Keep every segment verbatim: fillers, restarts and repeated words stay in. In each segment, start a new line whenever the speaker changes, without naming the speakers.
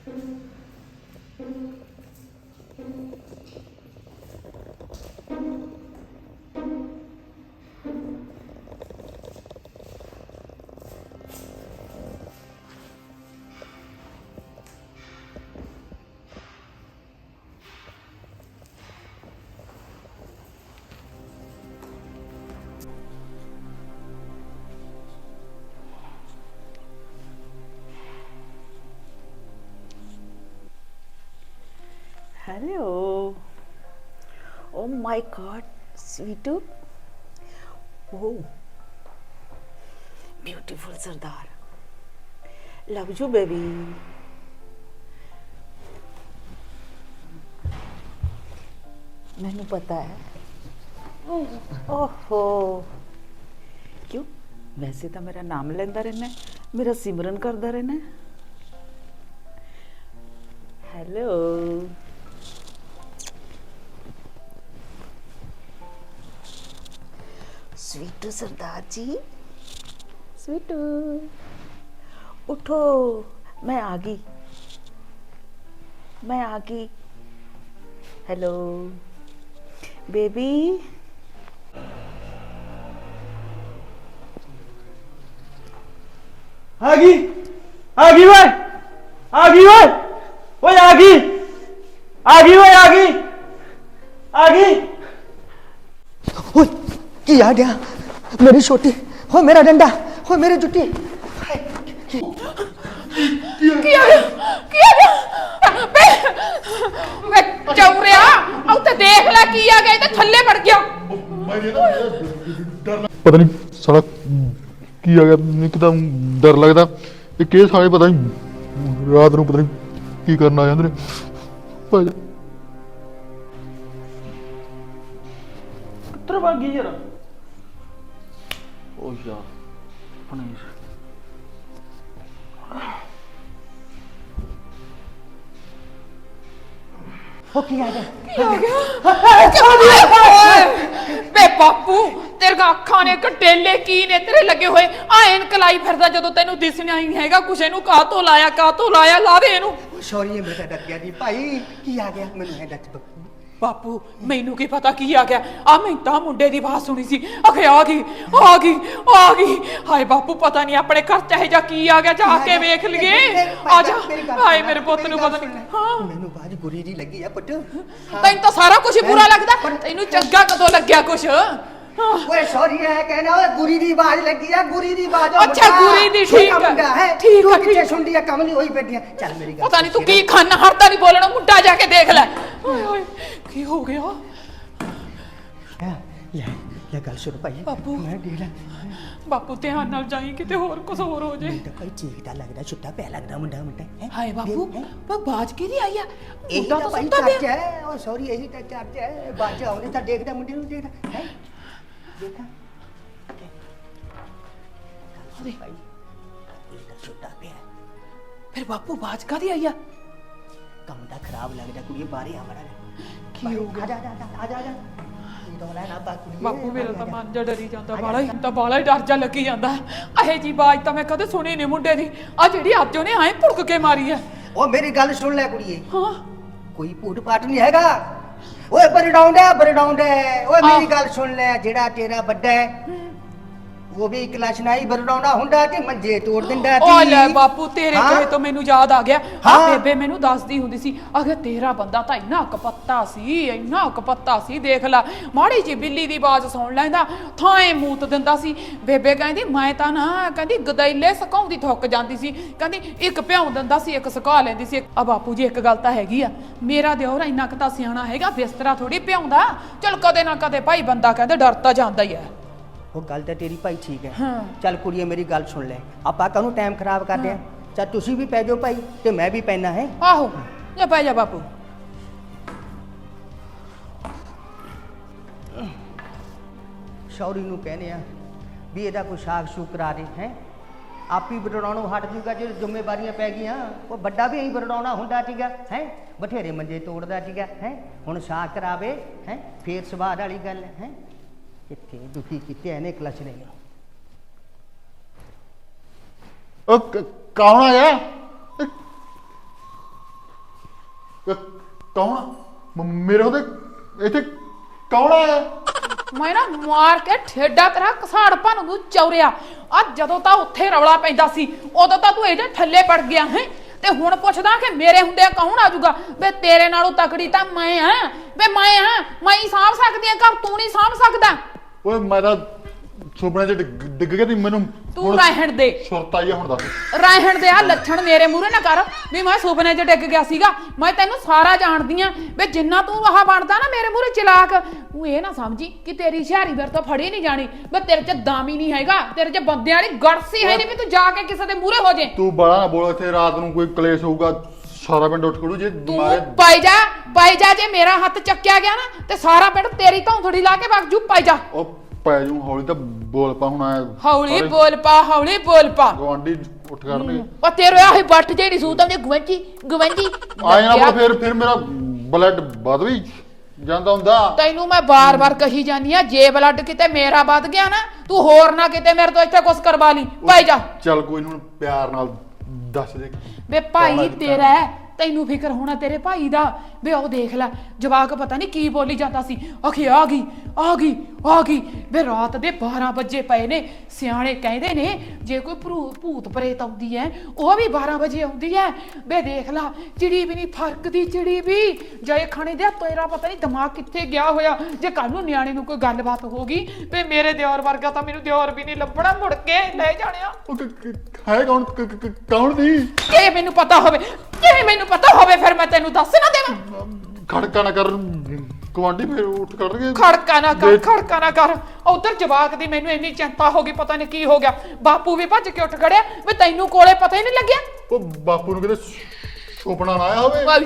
Hello. Oh my God, sweetu. Oh, beautiful Sardar. Love you, baby. मैनू पता है। ओहो, क्यों? वैसे तो मेरा नाम लेंदा रहना, मेरा सिमरन करदा रहना। हेलो। स्वीटू सरदार जी, स्वीटू उठो, मैं आ गई, मैं आ गई। Hello baby.
आ गई, आ गई वे, आ गई वे, ओए आ गई, आ गई वे, आ गई, आ गई।
ओए की आ गया मेरी छोटी, हो मेरा डंडा, हो मेरी जुट्टी।
ਕੀ ਆ ਗਿਆ ਕੀ ਆ ਗਿਆ ਬੇ ਵੇ ਚੌਰਿਆ ਉੱਤੇ ਦੇਖ ਲੈ ਕੀ ਆ ਗਿਆ ਇਹ ਤਾਂ ਥੱਲੇ ਵੜ ਗਿਆ
पता नहीं साला की आ गया एकदम डर लगता ये केस साले पता नहीं रात को पता नहीं की करना आ जाते ने भाई
किधर भाग गई यार? ओ यार पनीर
हो की आ गया
ਕੀ ਆ ਗਿਆ ਬੇ ਬਾਪੂ ਤੇਰੇ ਅੱਖਾਂ ਨੇ ਕਟੇਲੇ ਕੀ ਨੇ ਤੇਰੇ ਲੱਗੇ ਹੋਏ ਆ ਐਨਕ ਲਾਈ ਫਿਰਦਾ ਜਦੋਂ ਤੈਨੂੰ ਦਿਸਣਾ ਹੀ ਹੈਗਾ ਕੁਛ ਇਹਨੂੰ ਕਾਹ ਤੋਂ ਲਾਇਆ ਕਾਹ ਤੋਂ ਲਾਇਆ ਲਾ ਦੇ ਇਹਨੂੰ
सॉरी ये बेटा डर गया जी भाई की आ गया मैनू है डच
ਬਾਪੂ ਮੈਨੂੰ ਕੀ ਪਤਾ ਕੀ ਆ ਗਿਆ ਆ ਮੈਂ ਤਾਂ ਮੁੰਡੇ ਦੀ ਆਵਾਜ਼ ਸੁਣੀ ਸੀ ਅਖੇ ਆ ਗਈ ਆ ਗਈ ਆ ਗਈ ਹਾਏ ਬਾਪੂ ਪਤਾ ਨਹੀਂ ਆਪਣੇ ਘਰ ਚਾਹੇ ਜਾ ਕੀ ਆ ਗਿਆ ਜਾ ਕੇ ਵੇਖ ਲਈਏ ਆ ਜਾ ਹਾਏ ਮੇਰੇ ਪੁੱਤ ਨੂੰ ਪਤਾ ਨਹੀਂ ਹਾਂ
ਮੈਨੂੰ ਬਾਜ ਗੁਰੀ ਦੀ ਲੱਗੀ ਆ ਪੁੱਤ
ਤੈਨੂੰ ਤਾਂ ਸਾਰਾ ਕੁਝ ਬੁਰਾ ਲੱਗਦਾ ਤੈਨੂੰ ਚੰਗਾ ਕਦੋਂ ਲੱਗਿਆ ਕੁਛ
ओए सॉरी है कहना ओए गुरी दी आवाज लगी है गुरी दी आवाज
अच्छा गुरी दी ठीक है ठीक है
पीछे सुन लिया कमली होई बैठी चल मेरी गल
पता नहीं तू की खाना हरदा नहीं बोलना मुंडा जाके देख ले ओए ओए की हो गया
ले ले गल सुन भाई
बापू
मैं देख ले
बापू ध्यान नाल जाई किते होर कुछ होर हो जे
तो भाई चीकदा लगदा छुट्टा पै लगदा मुंडा मुंडा है
हाय बापू पर बाज की दी आई है
मुंडा तो भाई चर्च है ओ सॉरी यही तो चर्च है बाज आउने ता देखदा मुंडे नु देखदा है देखा अरे भाई ये तो छुट्टा पे
फिर बापू बाज का दी आई है
कम दा खराब लगदा कुड़ी बाहर आ बड़ा
की हो गया
आ जा आ जा आ जा डोला ना बाकू
बापू मेरा ਤਾਂ ਮਨ ਜਾ ਡਰੀ ਜਾਂਦਾ ਬਾਲਾ ਹੀ ਤਾਂ ਬਾਲਾ ਹੀ ਡਰ ਜਾ ਲੱਗੀ ਜਾਂਦਾ ਇਹ ਜੀ ਬਾਜ ਤਾਂ ਮੈਂ ਕਦੇ ਸੁਣੀ ਨਹੀਂ ਮੁੰਡੇ ਦੀ ਆ ਜਿਹੜੀ ਅੱਜ ਉਹਨੇ ਐਂ ਭੁੜਕ ਕੇ ਮਾਰੀ ਹੈ
ओ मेरी गल सुन ले कुड़िए
ਹਾਂ
कोई पूट पाट नहीं हैगा ओए बरडाउंड है बरडाउंड है ओए मेरी गल सुन ले जेड़ा तेरा बड्डा है वो भी क्लास नहीं बरडाउंडा हुंडा ते मंजे तोड़ दिंदा ती
ओ ले बापू तेरे
हाँ?
कहे तो मैनू याद आ गया आ
हाँ?
बेबे मैनू दसदी हुंदी सी अगे तेरा बंदा तां इन्ना कपत्ता सी इन्ना कपत्ता सी देख ला माड़ी जी बिल्ली दी आवाज सुन लैंदा थाए मूत दिंदा सी बेबे कहंदी मैं तां ना कहंदी गदैले सकाउंदी थुक जांदी सी कहंदी एक भ्याऊं दिंदा सी एक सुका लैंदी सी आ बापू जी एक गल तां हैगी आ मेरा दिओर इन्ना क तां सियाणा हैगा बिस्तरा थोड़ी भ्याऊंदा चल कदे ना कदे भाई बंदा कहंदा डर तां जांदा ही है
वो गल तो तेरी भाई ठीक है
हाँ।
चल कुड़िए मेरी गल सुन ले आपा कहूँ टाइम खराब कर दिया चल तुसी भी पै जाओ भाई ते मैं भी पैना है
आहो जा पै जा बापू
शौरी नूं कहने आ भी ਇਹਦਾ ਕੋਈ ਸਾਗ ਸ਼ੂਕ ਕਰਾ ਦੇ ਹੈ ਆਪ ਹੀ ਬਰੜਾਉਣੋਂ ਹਟ ਜੂਗਾ ਜੇ ਜ਼ਿੰਮੇਵਾਰੀਆਂ ਪੈ ਗਈਆਂ ਉਹ ਵੱਡਾ ਵੀ ਐਂ ਬਰੜਾਉਣਾ ਹੁੰਦਾ ਸੀਗਾ ਹੈ ਬਥੇਰੇ ਮੰਜੇ ਤੋੜਦਾ ਸੀਗਾ ਹੈ ਹੁਣ ਸਾਗ ਕਰਾਵੇ ਹੈ ਫੇਰ ਸਵਾਦ ਵਾਲੀ ਗੱਲ ਹੈ ਕਿੱਥੇ ਦੁਖੀ ਕੀਤੇ ਇਹਨੇ ਕਲਚ ਨੇ
ओ कौन आया ਕ- ਕੌਣ ਮ- ਮੇਰੇ ਉਹਦੇ ਇੱਥੇ ਕੌਣ ਆਇਆ?
ਮੈਂ ਨਾ ਮਾਰ ਕੇ ਠੇਡਾ ਤੇਰਾ ਕਸਾੜ ਭੰਨ ਨੂੰ ਚੌਰਿਆ। ਆ ਜਦੋਂ ਤਾਂ ਉੱਥੇ ਰੌਲਾ ਪੈਂਦਾ ਸੀ ਉਦੋਂ ਤਾਂ ਤੂੰ ਇਹਦੇ ਥੱਲੇ ਪੜ ਗਿਆ ਹੈ, ਤੇ ਹੁਣ ਪੁੱਛਦਾ ਕਿ ਮੇਰੇ ਹੁੰਦੇ ਕੌਣ ਆਜੂਗਾ? ਵੇ ਤੇਰੇ ਨਾਲੋਂ ਤਕੜੀ ਤਾਂ ਮੈਂ ਆ, ਵੇ ਮੈਂ ਆ, ਮੈਂ ਹੀ ਸਾਂਭ ਸਕਦੀ ਆ ਘਰ, ਤੂੰ ਨਹੀਂ ਸਾਂਭ ਸਕਦਾ।
ਓਏ ਮੈਂ ਤਾਂ ਸੁਪਨੇ 'ਚ ਡਿੱਗ ਡਿੱਗ ਗਿਆ ਤੀ ਮੈਨੂੰ
ਤੂੰ
ਹੁਣ
ਰਹਿਣ ਦੇ
ਸੁਰਤ ਆਈ ਆ ਹੁਣ ਦੱਸ।
ਰਹਿਣ ਦੇ, ਆ ਲੱਛਣ ਮੇਰੇ ਮੂਹਰੇ ਨਾ ਕਰ ਵੀ ਮੈਂ ਸੁਪਨੇ 'ਚ ਡਿੱਗ ਗਿਆ ਸੀਗਾ। ਮੈਂ ਤੈਨੂੰ ਸਾਰਾ ਜਾਣਦੀ ਆ ਵੇ ਜਿੰਨਾ ਤੂੰ ਆਹ ਬਣਦਾ ਨਾ ਮੇਰੇ ਮੂਹਰੇ ਚਲਾਕ, ਤੂੰ ਇਹ ਨਾ ਸਮਝੀ ਕਿ ਤੇਰੀ ਹੁਸ਼ਿਆਰੀ ਮੇਰੇ ਤੋਂ ਫੜੀ ਨਹੀਂ ਜਾਣੀ। ਵੇ ਤੇਰੇ 'ਚ ਦਾਮੀ ਨਹੀਂ ਹੈਗਾ, ਤੇਰੇ 'ਚ ਬੰਦਿਆਂ ਵਾਲੀ ਗੜਸੀ ਹੈ ਨਹੀਂ ਵੀ ਤੂੰ ਜਾ ਕੇ ਕਿਸੇ ਦੇ ਮੂਹਰੇ ਹੋ ਜੇ।
ਤੂੰ ਬੜਾ ਨਾ ਬੋਲ, ਇੱਥੇ ਰਾਤ ਨੂੰ ਕੋਈ ਕਲੇਸ਼ ਹੋਊਗਾ ਸਾਰਾ ਪਿੰਡ ਉੱਠ ਖੜੂ ਜੇ
ਤੂੰ
ਮਾਰੇ।
ਪਾਈ ਜਾ ਪਾਈ ਜਾ, ਜੇ ਮੇਰਾ ਹੱਥ ਚੱਕਿਆ ਗਿਆ ਨਾ ਤੇ ਸਾਰਾ ਪਿੰਡ ਤੇਰੀ ਧੌਂਥੜੀ ਲਾ ਕੇ ਵਗ ਜੂ। ਪਾਈ ਜਾ,
ਉਹ ਪੈ ਜੂ ਹੌਲੀ ਤਾਂ ਬੋਲ ਪਾ ਹੁਣ ਆਇਆ
ਹੌਲੀ ਬੋਲ ਪਾ, ਹੌਲੀ ਬੋਲ ਪਾ।
ਗਵਾਂਢੀ ਉੱਠ ਕਰਨਗੇ
ਉਹ ਤੇਰੇ ਆਹੀ ਬੱਟ ਜਿਹੜੀ ਸੂਤ ਆਉਂਦੀ ਗਵੰਜੀ ਗਵੰਜੀ
ਆਏ ਨਾ ਬੋਲ, ਫਿਰ ਫਿਰ ਮੇਰਾ ਬਲੱਡ ਵੱਧ ਵੀ ਜਾਂਦਾ ਹੁੰਦਾ।
ਤੈਨੂੰ ਮੈਂ ਬਾਰ-ਬਾਰ ਕਹੀ ਜਾਨੀ ਆ, ਜੇ ਬਲੱਡ ਕਿਤੇ ਮੇਰਾ ਵੱਧ ਗਿਆ ਨਾ ਤੂੰ ਹੋਰ ਨਾ ਕਿਤੇ ਮੇਰੇ ਤੋਂ ਇੱਥੇ ਕੁਛ ਕਰਵਾ ਲਈ। ਪਾਈ ਜਾ,
ਚੱਲ ਕੋਈ ਨੀ, ਹੁਣ ਪਿਆਰ ਨਾਲ ਦੱਸ ਦੇ।
ਵੇ ਭਾਈ ਤੇਰਾ ਹੈ, ਤੈਨੂੰ ਫਿਕਰ ਹੋਣਾ ਤੇਰੇ ਭਾਈ ਦਾ। ਵੇ ਉਹ ਦੇਖ ਲੈ ਜਵਾਕ ਪਤਾ ਨਹੀਂ ਕੀ ਬੋਲੀ ਜਾਂਦਾ ਸੀ, ਅਖੇ ਆ ਗਈ ਆ ਗਈ ਆ ਗਈ। ਵੇ ਰਾਤ ਦੇ ਬਾਰਾਂ ਵਜੇ ਪਏ ਨੇ, ਸਿਆਣੇ ਕਹਿੰਦੇ ਨੇ ਜੇ ਕੋਈ ਭਰੂ- ਭੂਤ ਪ੍ਰੇਤ ਆਉਂਦੀ ਹੈ ਉਹ ਵੀ ਬਾਰਾਂ ਵਜੇ ਆਉਂਦੀ ਹੈ। ਵੇ ਦੇਖ ਲਾ ਚਿੜੀ ਵੀ ਨਹੀਂ ਫਰਕਦੀ, ਚਿੜੀ ਵੀ ਜੇ ਖਾਣੇ ਦੇ ਤੇਰਾ ਪਤਾ ਨਹੀਂ ਦਿਮਾਗ ਕਿੱਥੇ ਗਿਆ ਹੋਇਆ। ਜੇ ਕੱਲ ਨੂੰ ਨਿਆਣੇ ਨੂੰ ਕੋਈ ਗੱਲਬਾਤ ਹੋ ਗਈ ਵੇ ਮੇਰੇ ਦਿਓਰ ਵਰਗਾ ਤਾਂ ਮੈਨੂੰ ਦਿਓਰ ਵੀ ਨਹੀਂ ਲੱਭਣਾ, ਮੁੜ ਕੇ ਲੈ ਜਾਣਿਆ।
ਉਹ ਕ- ਕ- ਹੈ ਕੌਣ ਕ- ਕ- ਕ- ਕੌਣ ਦੀ?
ਇਹ ਮੈਨੂੰ ਪਤਾ ਹੋਵੇ, ਇਹ ਮੈਨੂੰ ਪਤਾ ਹੋਵੇ ਫਿਰ ਮੈਂ ਤੈਨੂੰ ਦੱਸ ਨਾ ਦੇਵਾਂ।
ਖੜਕਾ ਨਾ ਕਰ, ਗਵਾਂਢੀ ਫਿਰ ਉੱਠ ਕਰਨਗੇ।
ਖੜਕਾ ਨਾ ਕਰ,
ਜੇ-
ਖੜਕਾ ਨਾ ਕਰ। ਉਧਰ ਜਵਾਕ ਦੀ ਮੈਨੂੰ ਇੰਨੀ ਚਿੰਤਾ ਹੋ ਗਈ, ਪਤਾ ਨਹੀਂ ਕੀ ਹੋ ਗਿਆ। ਬਾਪੂ ਵੀ ਭੱਜ ਕੇ ਉੱਠ ਖੜਿਆ, ਵੀ ਤੈਨੂੰ ਕੋਲੇ ਪਤਾ ਹੀ ਨਹੀਂ ਲੱਗਿਆ।
ਉਹ ਬਾਪੂ ਨੂੰ ਕਿਤੇ ਸੁਪਨਾ ਨਾ ਆਇਆ ਹੋਵੇ।
ਵਾਹ,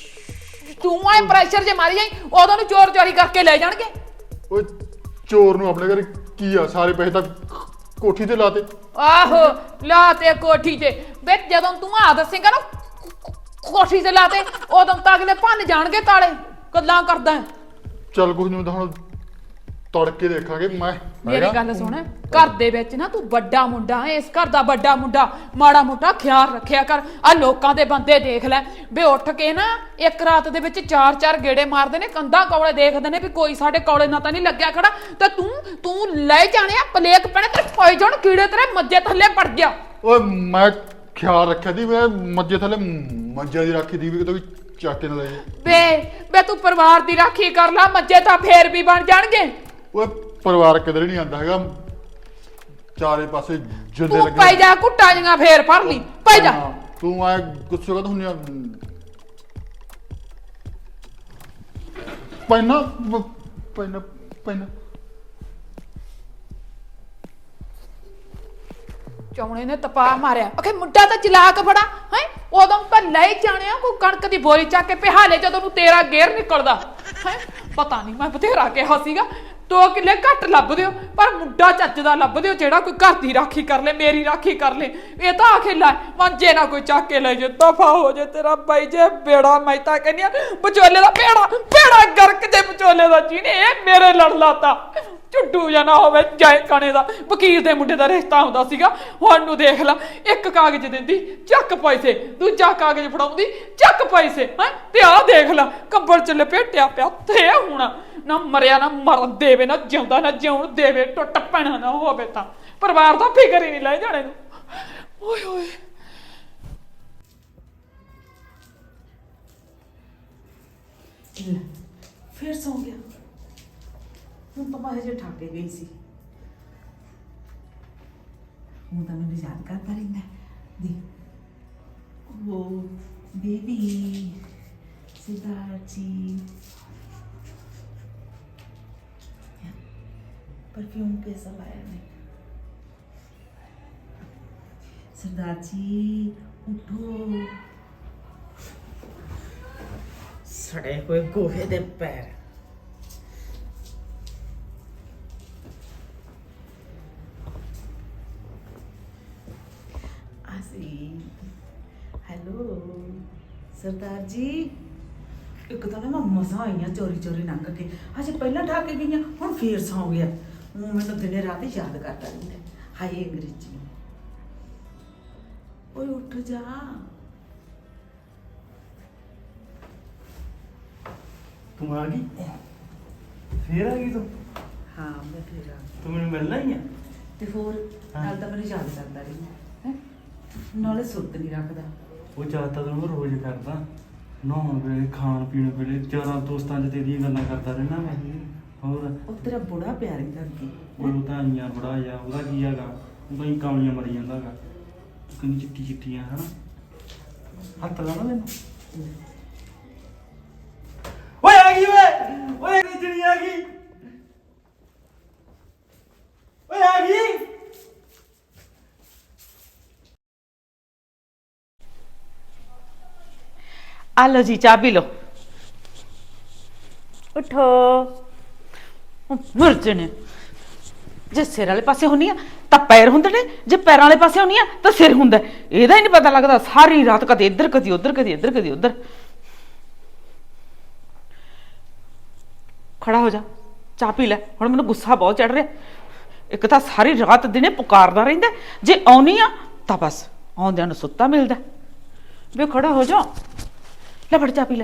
ਤੂੰ ਆਏ ਪ੍ਰੈਸ਼ਰ ਜੇ ਮਾਰੀ ਜਾਈ ਉਦੋਂ ਨੂੰ ਚੋਰ ਚੋਰੀ ਕਰਕੇ ਲੈ ਜਾਣਗੇ।
ਓਏ ਚੋਰ ਨੂੰ ਆਪਣੇ ਘਰ ਕੀ ਆ, ਸਾਰੇ ਪੈਸੇ ਤਾਂ ਕੋਠੀ ਤੇ ਲਾਤੇ।
ਆਹੋ ਲਾ ਤੇ ਕੋਠੀ ਤੇ, ਵੇ ਜਦੋਂ ਤੂੰ ਆ ਦੱਸੇਗਾ ਨਾ ਕੋਠੀ ਤੇ ਲਾ ਤੇ ਉਦੋਂ ਤਾਂ ਅਗਲੇ ਭੰਨ ਜਾਣਗੇ ਤਾਲੇ। ਗੱਲਾਂ ਕਰਦਾ ਹੈ।
ਚੱਲ ਕੁਝ ਨਹੀਂ, ਤਾਂ ਹੁਣ ਤੜਕੇ ਦੇਖਾਂਗੇ। ਮੈਂ
ਮੇਰੀ ਗੱਲ ਸੁਣ, ਘਰ ਦੇ ਵਿੱਚ ਨਾ ਤੂੰ ਵੱਡਾ ਮੁੰਡਾ ਹੈ, ਇਸ ਘਰ ਦਾ ਵੱਡਾ ਮੁੰਡਾ, ਮਾੜਾ ਮੋਟਾ ਖਿਆਲ ਰੱਖਿਆ ਕਰ। ਆ ਲੋਕਾਂ ਦੇ ਬੰਦੇ ਦੇਖ ਲੈ ਵੇ ਉੱਠ ਕੇ ਨਾ ਇੱਕ ਰਾਤ ਦੇ ਵਿੱਚ ਚਾਰ ਚਾਰ ਗੇੜੇ ਮਾਰਦੇ ਨੇ, ਕੰਧਾਂ ਕੌਲੇ ਦੇਖਦੇ ਨੇ ਵੀ ਕੋਈ ਸਾਡੇ ਕੌਲੇ ਨਾ ਤਾਂ ਨਹੀਂ ਲੱਗਿਆ ਖੜਾ। ਤੇ ਤੂੰ ਤੂੰ ਲੈ ਜਾਣਿਆ ਪਲੇਕ ਪੈਣੇ ਤੇ ਪੈ ਜਾਣ ਕੀੜੇ ਤੇਰੇ ਮੱਜੇ ਥੱਲੇ ਪੜ ਗਿਆ।
ਓਏ ਮੈਂ ਖਿਆਲ ਰੱਖਿਆ ਦੀ, ਮੈਂ ਮੱਜੇ ਥੱਲੇ ਮੱਜਾ ਦੀ ਰਾਖੀ ਦੀ ਵੀ ਕਿਤੇ ਵੀ ਚੱਕ ਕੇ ਨਾ ਲੈ ਜਾਏ।
ਵੇ ਵੇ ਤੂੰ ਪਰਿਵਾਰ ਦੀ ਰਾਖੀ ਕਰ ਲਾ, ਮੱਜੇ ਤਾਂ ਫੇਰ ਵੀ ਬਣ ਜਾਣਗੇ।
ਓਏ ਪਰਿਵਾਰ ਕਿਧਰ ਨਹੀਂ ਆਂਦਾ ਹੈਗਾ, ਚਾਰੇ ਪਾਸੇ ਜਿੰਦੇ
ਤੂੰ
ਲੱਗੇ।
ਪੈ ਜਾ ਘੁੱਟਾਂ ਜੀਆਂ ਫੇਰ ਫੜ ਲਈ, ਪੈ ਜਾ।
ਹਾਂ, ਤੂੰ ਆਏ ਗੁੱਸੇ ਕਦ ਹੁੰਨੀ ਆ? ਪੈਨਾ ਪੈਨਾ ਪੈਨਾ
ਚੌਣੇ ਨੇ ਤਪਾ ਮਾਰਿਆ, ਅਖੇ ਮੁੰਡਾ ਤਾਂ ਚਲਾਕ ਬੜਾ ਹੈ। ਉਦੋਂ ਤਾਂ ਲੈ ਜਾਣਿਆ ਕੋਈ ਕਣਕ ਦੀ ਬੋਰੀ ਚੱਕ ਕੇ ਪਿਹਾਲੇ ਜਦੋਂ ਨੂੰ ਤੇਰਾ ਗੇਰ ਨਿਕਲਦਾ ਹੈ। ਪਤਾ ਨਹੀਂ ਮੈਂ ਬਥੇਰਾ ਕਿਹਾ ਸੀਗਾ ਦੋ ਕਿੱਲੇ ਘੱਟ ਲੱਭ ਦਿਓ, ਪਰ ਮੁੰਡਾ ਚੱਜ ਦਾ ਲੱਭ ਦਿਓ ਜਿਹੜਾ ਕੋਈ ਘਰ ਦੀ ਰਾਖੀ ਕਰ ਲੈ, ਮੇਰੀ ਰਾਖੀ ਕਰ ਲੈ। ਇਹ ਤਾਂ ਆਖੇ ਲੈ ਮੰਜੇ ਨਾ ਕੋਈ ਚੱਕ ਕੇ ਲੈ ਜੇ, ਦਫਾ ਹੋ ਜੇ ਤੇਰਾ ਬਾਈ ਜੇ ਬੇੜਾ। ਮੈਂ ਤਾਂ ਕਹਿੰਦੀ ਆ ਵਿਚੋਲੇ ਦਾ ਬੇੜਾ ਬੇੜਾ ਗਰਕ ਦੇ ਵਿਚੋਲੇ ਦਾ ਜਿਹਨੇ ਇਹ ਮੇਰੇ ਲੜ ਲਾਤਾ। ਝੁੱਡੂ ਜਾਂ ਨਾ ਹੋਵੇ ਜਾਏ ਕਣੇ ਦਾ ਵਕੀਲ ਦੇ ਮੁੰਡੇ ਦਾ ਰਿਸ਼ਤਾ ਹੁੰਦਾ ਸੀਗਾ। ਹੁਣ ਨੂੰ ਦੇਖ ਲਾ, ਇੱਕ ਕਾਗਜ਼ ਦਿੰਦੀ ਚੱਕ ਪੈਸੇ, ਦੂਜਾ ਕਾਗਜ਼ ਫੜਾਉਂਦੀ ਚੱਕ ਪੈਸੇ ਹੈ। ਤੇ ਆਹ ਦੇਖ ਲਾ ਕੰਬਲ ਚ ਲਪੇਟਿਆ ਪਿਆ ਤੇ ਹੁਣ ਨਾ ਮਰਿਆ ਨਾ ਮਰਨ ਦੇਵੇ, ਨਾ ਜਿਉਂਦਾ ਨਾ ਜਿਉਣ ਦੇਵੇ, ਟੁੱਟ ਪੈਣਾ ਨਾ ਹੋਵੇ ਤਾਂ ਪਰਿਵਾਰ ਦਾ ਫਿਕਰ ਹੀ ਨਹੀਂ ਲੈ ਜਾਣੇ ਨੂੰ। ਓਏ ਹੋਏ
ਫਿਰ ਸੌਂ ਗਿਆ। ਹੁਣ ਤਾਂ ਮੈਂ ਹਜੇ ਠਾਕੇ ਗਈ ਸੀ। ਹੁਣ ਤਾਂ ਮੈਨੂੰ ਯਾਦ ਕਰਦਾ ਰਹਿੰਦਾ ਦੀ ਉਹ ਬੇਬੀ सिद्धार्थ जी परफ्यूम कैसा लाया है? सरदार जी उठो, सड़े हुए गोहे दे पैर। आसी हेलो सरदार जी, एक तो मैं मसा आई हाँ चोरी चोरी लंघ के, अजे पहला ढा के गई हूँ फिर सौ गया। हूँ मैं दिने रात ही याद करता रहता हाय अंग्रेजी। ओए उठ जा,
ਤੂੰ ਆ ਗਈ ਫੇਰ ਆ ਗਈ ਤੂੰ
ਹਾਂ ਮੈਂ ਫੇਰ ਆ ਗਈ।
ਤੂੰ ਮੈਨੂੰ ਮਿਲਣਾ ਹੀ ਆ
ਤੇ ਹੋਰ
ਹਾਂ।
ਨਾਲ ਤਾਂ ਮੈਨੂੰ ਯਾਦ ਕਰਦਾ ਰਹੀ ਹੈ ਨਾਲੇ ਸੁਰਤ ਨਹੀਂ ਰੱਖਦਾ।
ਉਹ ਚਾਹਤਾ ਤਾਂ ਮੈਂ ਰੋਜ਼ ਕਰਦਾ ਨਹਾਉਣ ਵੇਲੇ ਖਾਣ ਪੀਣ ਵੇਲੇ ਚਾਰਾਂ ਦੋਸਤਾਂ 'ਚ ਤੇਰੀਆਂ ਗੱਲਾਂ ਕਰਦਾ ਰਹਿਣਾ ਮੈਂ ਹੋਰ
ਉਹ ਤੇਰਾ ਬੁੜਾ ਪਿਆਰ ਹੀ ਕਰਦੀ
ਉਹ ਤਾਂ ਆਈਆਂ ਬੜਾ ਆ ਉਹਦਾ ਕੀ ਹੈਗਾ ਉਹ ਤਾਂ ਹੀ ਕਾਮਲੀਆਂ ਮਰੀ ਜਾਂਦਾ ਹੈਗਾ ਕਿੰਨੀ ਚਿੱਟੀ ਚਿੱਟੀਆਂ ਹਨਾ ਹੱਥ ਲਾਣਾ ਮੈਨੂੰ ਓਏ ਆ ਗਈ ਓਏ ਓਏ ਜਿਹੜੀ ਆ ਗਈ ਓਏ ਆ ਗਈ
ਆ ਲਓ ਜੀ ਚਾਹ ਪੀ ਲਓ। ਉਠੋ ਮੁਰਜ ਨੇ ਜੇ ਸਿਰ ਵਾਲੇ ਪਾਸੇ ਹੁੰਨੀ ਆ ਤਾਂ ਪੈਰ ਹੁੰਦੇ ਨੇ ਜੇ ਪੈਰਾਂ ਵਾਲੇ ਪਾਸੇ ਹੁੰਨੀ ਆ ਤਾਂ ਸਿਰ ਹੁੰਦਾ ਇਹਦਾ ਹੀ ਨਹੀਂ ਪਤਾ ਲੱਗਦਾ ਸਾਰੀ ਰਾਤ ਕਦੇ ਇੱਧਰ ਕਦੇ ਉੱਧਰ ਕਦੇ ਇੱਧਰ ਕਦੇ ਉੱਧਰ। ਖੜਾ ਹੋ ਜਾ ਚਾਹ ਪੀ ਲੈ ਹੁਣ ਮੈਨੂੰ ਗੁੱਸਾ ਬਹੁਤ ਚੜ ਰਿਹਾ। ਇੱਕ ਤਾਂ ਸਾਰੀ ਰਾਤ ਦਿਨੇ ਪੁਕਾਰਦਾ ਰਹਿੰਦਾ ਜੇ ਆਉਣੀ ਆ ਤਾਂ ਬਸ ਆਉਂਦਿਆਂ ਨੂੰ ਸੁੱਤਾ ਮਿਲਦਾ। ਵੇ ਖੜਾ ਹੋ ਜਾ ਲੈ ਫੜ ਚਾਹ ਪੀ ਲੈ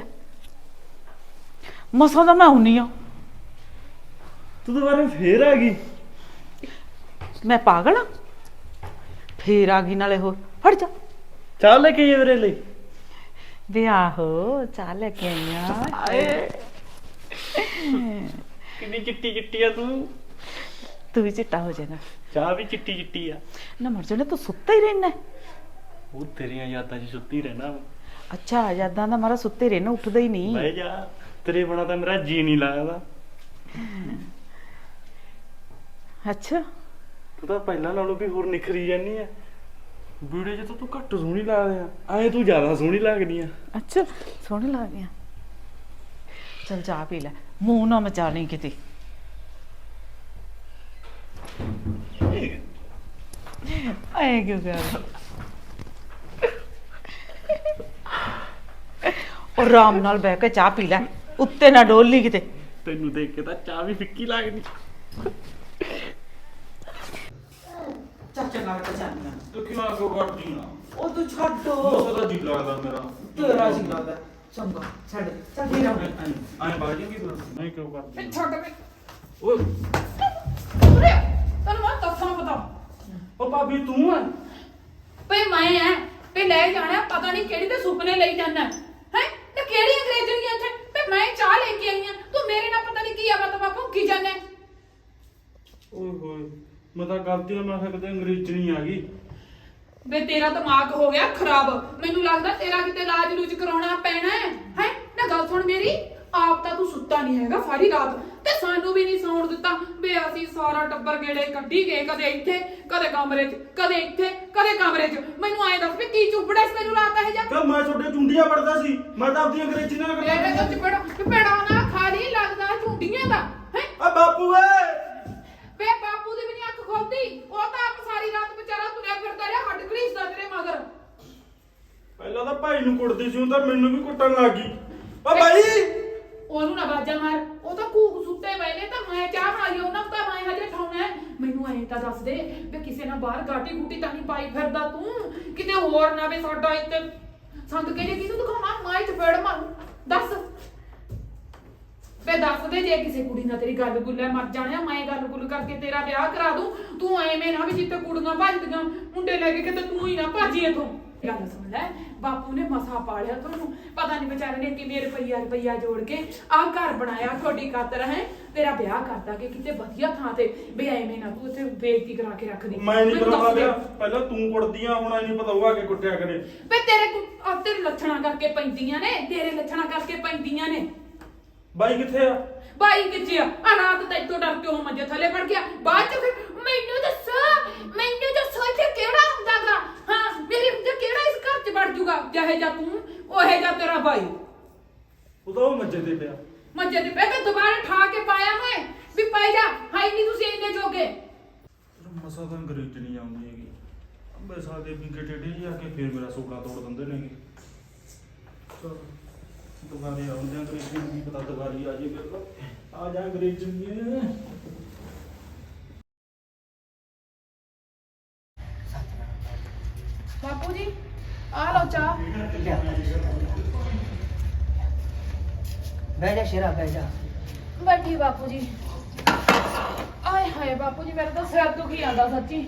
ਮਸਾਂ ਦਾ ਮੈਂ ਆਉਣੀ ਆ।
ਤੂੰ ਦੁਬਾਰਾ ਫੇਰ ਆ ਗਈ
ਮੈਂ ਪਾਗਲ ਆ ਫੇਰ ਆ ਗਈ ਨਾਲੇ ਹੋਰ ਫੜ ਜਾ
ਚਾਹ ਲੈ ਕੇ ਆਈ ਮੇਰੇ ਲਈ
ਵੇ ਆਹੋ ਚਾਹ ਲੈ ਕੇ ਆਈਆਂ।
ਕਿੰਨੀ ਚਿੱਟੀ ਚਿੱਟੀ ਆ ਤੂੰ
ਤੂੰ ਵੀ ਚਿੱਟਾ ਹੋ ਜਾਏਗਾ
ਚਾਹ ਵੀ ਚਿੱਟੀ ਚਿੱਟੀ ਆ
ਨਾ ਮਰ ਜਾਣੇ ਤੂੰ ਸੁੱਤਾ ਹੀ ਰਹਿਣਾ।
ਉਹ ਤੇਰੀਆਂ ਯਾਦਾਂ 'ਚ ਸੁੱਤੀ ਰਹਿਣਾ ਵਾ।
ਅੱਛਾ ਯਾਦਾਂ ਦਾ ਮਾਰਾ ਸੁੱਤੇ ਰਹਿਣਾ ਉੱਠਦਾ ਹੀ ਨਹੀਂ।
ਬਹਿ ਜਾ ਤੇਰੇ ਬਿਨਾਂ ਤਾਂ ਮੇਰਾ ਜੀ ਨਹੀਂ ਲੱਗਦਾ।
ਅੱਛਾ
ਤੂੰ ਤਾਂ ਪਹਿਲਾਂ ਨਾਲੋਂ ਵੀ ਹੋਰ ਨਿਖਰੀ ਜਾਨੀ ਆ ਵੀਡੀਓ 'ਚ ਤਾਂ ਤੂੰ ਘੱਟ ਸੋਹਣੀ ਲੱਗਦੀ ਆ ਐਂ ਤੂੰ ਜ਼ਿਆਦਾ ਸੋਹਣੀ ਲੱਗਦੀ ਆ।
ਅੱਛਾ ਸੋਹਣੇ ਲੱਗ ਗਿਆ ਚਲ ਚਾਹ ਪੀ ਲੈ ਮੂੰਹ ਨਾ ਮਚਾ ਲਈ ਕਿਤੇ। ਆਏ ਕਿਉਂ ਕਰ ਉਹ ਆਰਾਮ ਨਾਲ ਬਹਿ ਕੇ ਚਾਹ ਪੀ ਲੈ ਉੱਤੇ ਨਾ ਡੋਲ ਲਈ ਕਿਤੇ।
ਤੈਨੂੰ ਦੇਖ ਕੇ ਤਾਂ ਚਾਹ ਵੀ ਫਿੱਕੀ ਲੱਗਦੀ।
ਚਾਚਾ ਨਾਲ ਪਛਾਣਿਆ
ਤੂੰ ਕਿਉਂ ਆਗੋ ਕਰਦੀ ਆ
ਉਹ ਤੂੰ ਛੱਡੋ
ਉਹਦਾ ਜੀ ਲੱਗਦਾ ਮੇਰਾ
ਤੇਰਾ ਜੀ ਲੱਗਦਾ ਚੰਗਾ ਛੱਡ ਚੱਲ ਫੇਰ ਆ
ਐਂ ਬਾਜੀ ਕੀ ਤੂੰ ਮੈਂ ਕਿਉਂ ਕਰਦੀ
ਫਿਰ ਛੱਡ ਵੇ
ਓਏ
ਉਰੇ ਤੈਨੂੰ ਮੈਂ ਦੱਸਣਾ ਪਤਾ
ਉਹ ਭਾਬੀ ਤੂੰ ਆ
ਭਈ ਮੈਂ ਐ ਭਈ ਲੈ ਜਾਣਾ ਪਤਾ ਨਹੀਂ ਕਿਹੜੀ ਤੇ ਸੁਪਨੇ ਲਈ ਜਾਣਾ ਹੈ ਤੇ ਕਿਹੜੀ ਅੰਗਰੇਜ਼ੀ ਇੱਥੇ ਭਈ ਮੈਂ ਚਾਹ ਲੈ ਕੇ ਆਈ ਆ ਤੂੰ ਮੇਰੇ ਨਾਲ ਪਤਾ ਨਹੀਂ ਕੀ ਆ ਬਤਾ ਬਾਪੂ ਕੀ ਜਾਣਾ
ਓਏ ਹੋਏ ਮੈਂ ਤਾਂ ਗਲਤੀ ਨਾਲ ਮੈਂ ਕਿਹਾ ਕਿਤੇ ਅੰਗਰੇਜ਼ੀ ਨਹੀਂ ਆ ਗਈ
ਵੇ ਤੇਰਾ ਦਿਮਾਗ ਹੋ ਗਿਆ ਖਰਾਬ ਮੈਨੂੰ ਲੱਗਦਾ ਤੇਰਾ ਕਿਤੇ ਇਲਾਜ ਲੂਜ ਕਰਾਉਣਾ ਪੈਣਾ ਹੈ ਹੈ ਨਾ ਗੱਲ ਸੁਣ ਮੇਰੀ ਆਪ ਤਾਂ ਤੂੰ ਸੁੱਤਾ ਨਹੀਂ ਹੈਗਾ ਸਾਰੀ ਰਾਤ ਤੇ ਸਾਨੂੰ ਵੀ ਨਹੀਂ ਸੌਣ ਦਿੱਤਾ ਵੇ ਅਸੀਂ ਸਾਰਾ ਟੱਬਰ ਗੇੜੇ ਕੱਢੀ ਗਏ ਕਦੇ ਇੱਥੇ ਕਦੇ ਕਮਰੇ 'ਚ ਕਦੇ ਇੱਥੇ ਕਦੇ ਕਮਰੇ 'ਚ ਮੈਨੂੰ ਐਂ ਦੱਸ ਵੀ ਕੀ ਚੁੱਪੜਾ ਸੀ ਮੈਨੂੰ ਰਾਤ ਇਹ ਜਾ
ਕਿ ਮੈਂ ਤੁਹਾਡੇ ਚੁੰਡੀਆਂ ਪੜਦਾ ਸੀ ਮੈਂ ਤਾਂ ਆਪਣੀ ਅੰਗਰੇਜ਼ੀ ਨਾਲ
ਮੇਰੇ ਤੋਂ ਚਪੜਾ ਚਪੜਾ ਨਾ ਖਾਲੀ ਲੱਗਦਾ ਝੁੰਡੀਆਂ ਦਾ ਹੈ
ਆ ਬਾਪੂ ਏ
ਵੇ ਬਾਪੂ ਦੀ ਵੀ ਨਹੀਂ ਅੱਖ ਖੋਲਦੀ ਉਹ ਤਾਂ ਆਪ ਸਾਰੀ ਰਾਤ ਵਿਚਾਰਾ ਤੁਰਿਆ ਫਿਰਦਾ ਰਿਹਾ ਹੱਡ ਘੜੀਸਦਾ ਤੇਰੇ ਮਗਰ
ਪਹਿਲਾਂ ਤਾਂ ਭਾਈ ਨੂੰ ਕੁੱਟਦੀ ਸੀ ਹੁਣ ਤਾਂ ਮੈਨੂੰ ਵੀ ਕੁੱਟਣ ਲੱਗ ਗਈ ਓ ਭਾਈ
ਉਹਨੂੰ ਨਾ ਬਾਜਾ ਮਾਰ ਉਹ ਤਾਂ ਕੂਕ ਸੁੱਤੇ ਪਏ ਨੇ ਤਾਂ ਮੈਂ ਚਾਹ ਬਣਾਈ ਉਹਨਾਂ ਨੂੰ ਤਾਂ ਮੈਂ ਹਜੇ ਠਾਉਣਾ ਮੈਨੂੰ ਐਂ ਤਾਂ ਦੱਸ ਦੇ ਵੀ ਕਿਸੇ ਨਾਲ ਬਾਹਰ ਗਾਟੀ ਗੂਟੀ ਤਾਂ ਨਹੀਂ ਪਾਈ ਫਿਰਦਾ ਤੂੰ ਕਿਤੇ ਹੋਰ ਨਾ ਵੇ ਸਾਡਾ ਇੱਥੇ ਸੰਦ ਕੇ ਜੇ ਕਿਹਨੂੰ ਦਿਖਾਉਣਾ ਮਾਈ ਚ ਫੇੜ ਮਾਰੂ ਦੱਸ ਵੇ ਦੱਸ ਦੇ ਜੇ ਕਿਸੇ ਕੁੜੀ ਨਾਲ ਤੇਰੀ ਗੱਲ ਗੁੱਲ ਹੈ ਮਰ ਜਾਣਿਆ ਮੈਂ ਗੱਲ ਗੁੱਲ ਕਰਕੇ ਤੇਰਾ ਵਿਆਹ ਕਰਾ ਦੂੰ ਤੂੰ ਐਵੇਂ ਨਾ ਵੀ ਜਿੱਤੇ ਕੁੜੀਆਂ ਭੱਜਦੀਆਂ ਮੁੰਡੇ ਲੈ ਕੇ ਕਿਤੇ ਤੂੰ ਹੀ ਨਾ ਭਾਜੀ ਇਥੋਂ ਗੱਲ ਸੁਣ ਲੈ ਬਾਪੂ ਨੇ ਮਸਾ ਪਾਲਿਆ ਤੁਹਾਨੂੰ ਪਤਾ ਨਹੀਂ ਵਿਚਾਰੇ ਨੇ ਕਿਵੇਂ ਰੁਪਈਆ ਰੁਪਈਆ ਜੋੜ ਕੇ ਆਹ ਘਰ ਬਣਾਇਆ ਤੁਹਾਡੀ ਖਾਤਰ ਹੈ ਤੇਰਾ ਵਿਆਹ ਕਰਦਾ ਕਿ ਕਿਤੇ ਵਧੀਆ ਥਾਂ ਤੇ ਵੀ ਐਵੇਂ ਨਾ ਤੂੰ ਉੱਥੇ ਬੇਇੱਜ਼ਤੀ ਕਰਾ ਕੇ ਰੱਖ ਦੇ
ਮੈਂ ਨਹੀਂ ਕਰਾਉਂਦਾ ਵਿਆਹ ਪਹਿਲਾਂ ਤੂੰ ਕੁੱਟਦੀ ਆ ਹੁਣ ਐ ਨਹੀਂ ਪਤਾ ਉਹ ਆ ਕੇ ਕੁੱਟਿਆ ਕਰੇ
ਵੇ ਤੇਰੇ ਆ ਤੇਰੇ ਲੱਛਣਾ ਕਰਕੇ ਪੈਂਦੀਆਂ ਨੇ ਤੇਰੇ ਲੱਛਣਾ ਕਰਕੇ ਪੈਂਦੀਆਂ ਨੇ
ਬਾਈ ਕਿੱਥੇ ਆ
ਬਾਈ ਕਿੱਥੇ ਆ ਆ ਰਾਤ ਤਾਂ ਇੱਥੋਂ ਡਰ ਕੇ ਉਹ ਮੰਜੇ ਥੱਲੇ ਪੜ ਗਿਆ ਬਾਅਦ ਚ ਫਿਰ ਮੈਨੂੰ ਦੱਸੋ ਮੈਨੂੰ ਦੱਸੋ ਇੱਥੇ ਕਿਹੜਾ ਹੁੰਦਾਗਾ ਹਾਂ ਮੇਰੇ ਹੁੰਦੇ ਕਿਹੜਾ ਇਸ ਘਰ ਚ ਵੜ ਜੂਗਾ ਜਿਹੇ ਜਾ ਤੂੰ ਉਹੇ ਜਾ ਤੇਰਾ ਬਾਈ
ਉਹ ਤਾਂ ਉਹ ਮੰਜੇ ਤੇ ਪਿਆ
ਮੰਜੇ ਤੇ ਪੈ ਕੇ ਦੁਬਾਰਾ ਠਾ ਕੇ ਪਾਇਆ ਮੈਂ ਵੀ ਪੈ ਜਾ ਹਾਈ ਨਹੀਂ ਤੁਸੀਂ ਇੰਨੇ ਜੋਗੇ
ਮਸਾ ਤਾਂ ਅੰਗਰੇਜ਼ੀ ਨਹੀਂ ਆਉਂਦੀ ਹੈਗੀ ਅੰਬੇ ਸਾਦੇ ਵਿੰਗੇ ਟੇਡੇ ਜੀ ਆ ਕੇ ਫੇਰ ਮੇਰਾ ਸੋਕਾ ਤੋੜ ਦਿੰਦੇ ਨੇ ਚਲ ਦੁਬਾਰੇ ਆਉਂਦੇ ਅੰਗਰੇਜ਼ੀ ਨੂੰ ਕੀ ਪਤਾ ਦੁਬਾਰੀ ਆ ਜੇ ਮੇਰੇ ਕੋਲ ਆ ਜਾ ਅੰਗਰੇਜ਼ੀ ਨੂੰ
ਬਾਪੂ ਜੀ ਆ ਲਓ ਚਾਹ
ਬਹਿ ਜਾ ਸ਼ੇਰਾ ਬਹਿ ਜਾ।
ਬੈਠੀ ਬਾਪੂ ਜੀ। ਆਏ ਹਾਏ ਬਾਪੂ ਜੀ ਮੇਰਾ ਤਾਂ ਸਿਰ ਦੁਖੀ ਆਂਦਾ ਸੱਚੀ।